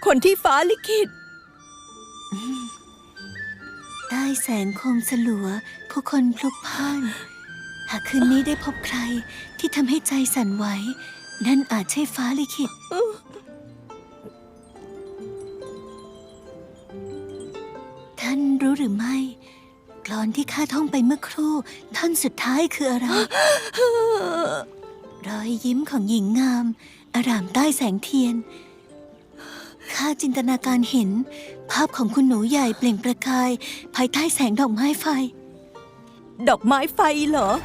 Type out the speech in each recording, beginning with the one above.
คนที่ฟ้าลิขิตใต้แสงโคมสลัวผู้คนพลุกพล่าน หากคืนนี้ได้พบใครที่ทำให้ใจสั่นไหวนั่นอาจใช่ฟ้าลิขิต ท่านรู้หรือไม่กลอนที่ข้าท่องไปเมื่อครู่ท่อนสุดท้ายคืออะไร รอยยิ้มของหญิงงามอร่ามใต้แสงเทียนข้าจินตนาการเห็นภาพของคุณหนูใหญ่เปล่งประกายภายใต้แสงดอกไม้ไฟดอกไม้ไฟเหรอ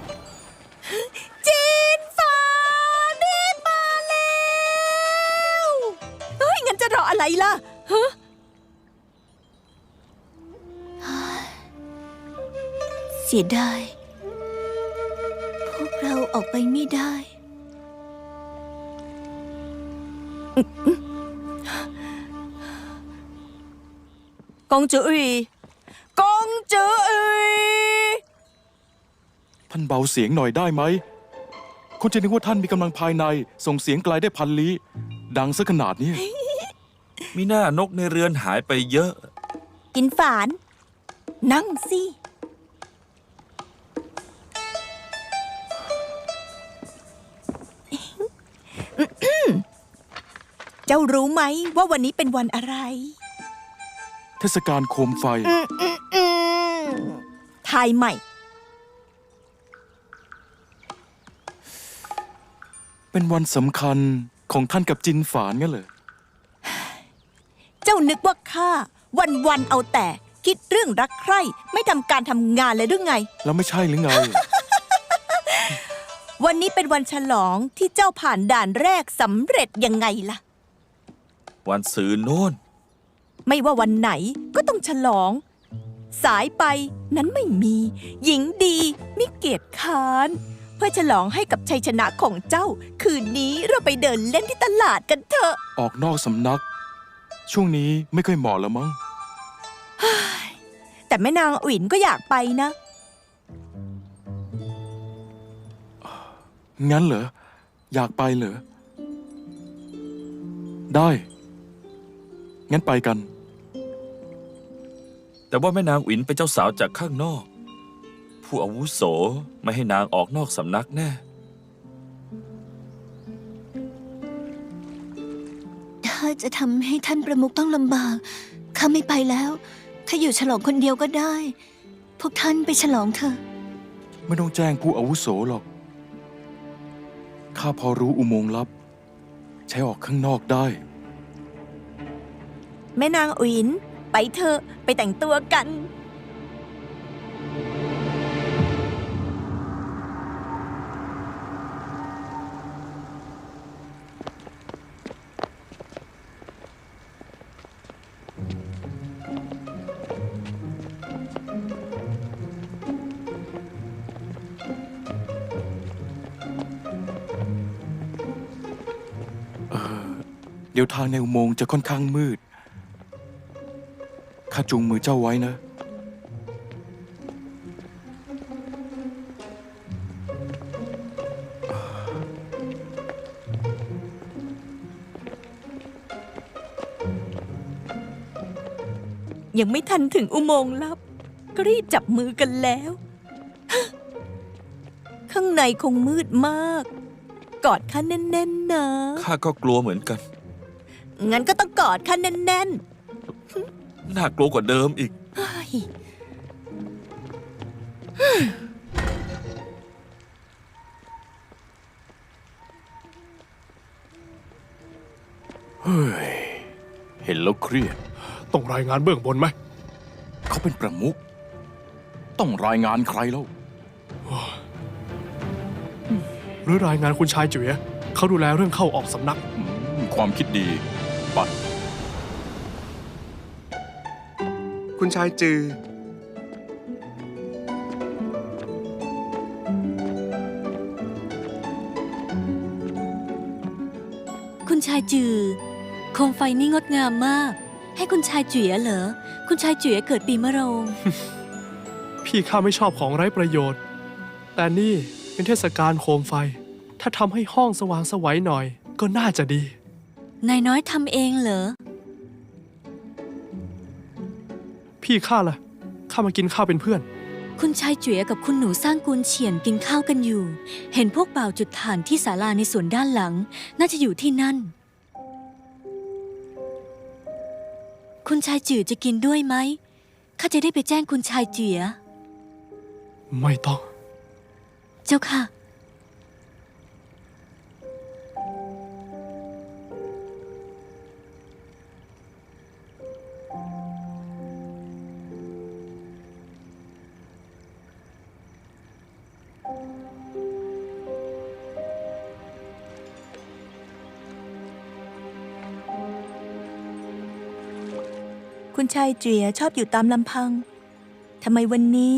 จีนฟ้ารีบมาแล้วเฮ้ย งั้นจะรออะไรล่ะฮะเสียดาย พวกเราออกไปไม่ได้กงจืออีกงจืออีท่านเบาเสียงหน่อยได้ไหม คนจะนึกว่าท่านมีกำลังภายในส่งเสียงไกลได้พันลี้ ดังซะขนาดนี้มีหน้านกในเรือนหายไปเยอะกินฝาน นั่งสิ เจ้ารู้ไหมว่าวันนี้เป็นวันอะไรเทศกาลโคมไฟทายใหม่เป็นวันสำคัญของท่านกับจินฝานงั้นเหรอเจ้านึกว่าข้าวันเอาแต่คิดเรื่องรักใคร่ไม่ทำการทำงานเลยหรือไงแล้วไม่ใช่หรือไงวันนี้เป็นวันฉลองที่เจ้าผ่านด่านแรกสำเร็จยังไงล่ะวันศืนโน่นไม่ว่าวันไหนก็ต้องฉลอง สายไปนั้นไม่มี หญิงดีมิเกียรติค้านเพื่อฉลองให้กับชัยชนะของเจ้า คืนนี้เราไปเดินเล่นที่ตลาดกันเถอะออกนอกสำนัก ช่วงนี้ไม่ค่อยเหมาะแล้วมั้งแต่แม่นางอุ๋นก็อยากไปนะงั้นเหรอ อยากไปเหรอ ได้ งั้นไปกันแต่ว่าแม่นางอินเป็นเจ้าสาวจากข้างนอก ผู้อาวุโสไม่ให้นางออกนอกสำนักแน่ถ้าจะทำให้ท่านประมุขต้องลำบากข้าไม่ไปแล้วข้าอยู่ฉลองคนเดียวก็ได้ พวกท่านไปฉลองเถอะไม่ต้องแจ้งผู้อาวุโสหรอก ข้าพอรู้อุโมงค์ลับ ใช้ออกข้างนอกได้แม่นางอุ๋นไปเถอะไปแต่งตัวกันเดี๋ยวทางในอุโมงค์จะค่อนข้างมืด ข้าจูงมือเจ้าไว้นะยังไม่ทันถึงอุโมงค์ลับ ก็รีบจับมือกันแล้ว ข้างในคงมืดมาก กอดข้าแน่นๆนะข้าก็กลัวเหมือนกันงั้นก็ต้องกอดข้าแน่นน่ากลัวกว่าเดิมอีกๆเฮ้ยเฮ้ย เห็นแล้วเครียดต้องรายงานเบื้องบนไหมเขาเป็นประมุข ต้องรายงานใครแล้วหรือรายงานคุณชายจุ๋ยเขาดูแลเรื่องเข้าออกสำนักความคิดดี ปัดคุณชายจือคุณชายจือโคมไฟนี่งดงามมาก ให้คุณชายจุ๋ยเหรอ คุณชายจุ๋ยเกิดปีมะโรงพี่ข้าไม่ชอบของไร้ประโยชน์ แต่นี่เป็นเทศกาลโคมไฟ ถ้าทำให้ห้องสว่างไสวัยหน่อย ก็น่าจะดีนายน้อยทำเองเหรอพี่ข้าล่ะ ข้ามากินข้าวเป็นเพื่อนคุณชายเจ๋ยกับคุณหนูสร้างกุนเฉียนกินข้าวกันอยู่ เห็นพวกบ่าวจุดถ่านที่ศาลาในสวนด้านหลัง น่าจะอยู่ที่นั่น คุณชายจื่อจะกินด้วยไหม ข้าจะได้ไปแจ้งคุณชายเจ๋ยไม่ต้องเจ้าค่ะคุณชายเจียชอบอยู่ตามลำพัง ทำไมวันนี้